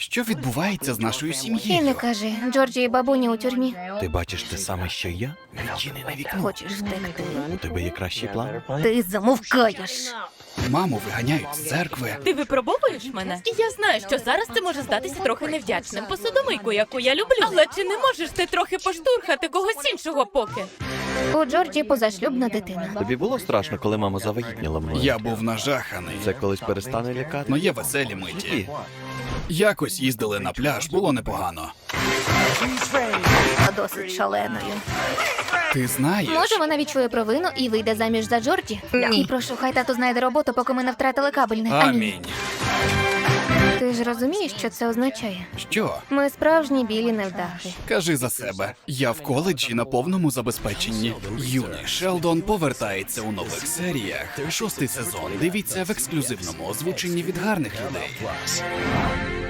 Що відбувається з нашою І не сім'єю? кажи, Джорджі і бабуня у тюрмі. Ти бачиш те саме, що й я? Відчинене вікно. Хочеш втекти? У тебе є кращий план? Ти замовкаєш. Маму виганяють з церкви. Ти випробовуєш мене? І я знаю, що зараз це може здатися трохи невдячним. Посудомийку, яку я люблю. Але чи не можеш ти трохи поштурхати когось іншого поки? У Джорджі позашлюбна дитина. Тобі було страшно, коли мама завагітніла мною? Я був нажаханий. Це колись перестане лякати? Ну є веселі миті. Якось їздили на пляж, було непогано. Досить шаленою. Ти знаєш? Може, вона відчує провину і вийде заміж за Джорджі? І прошу, хай тато знайде роботу, поки ми не втратили кабельне. Амінь. Ти ж розумієш, що це означає? Що? Ми справжні білі невдахи. Кажи за себе. Я в коледжі на повному забезпеченні. Юний Шелдон повертається у нових серіях. 6-й сезон. Дивіться в ексклюзивному озвученні від гарних людей.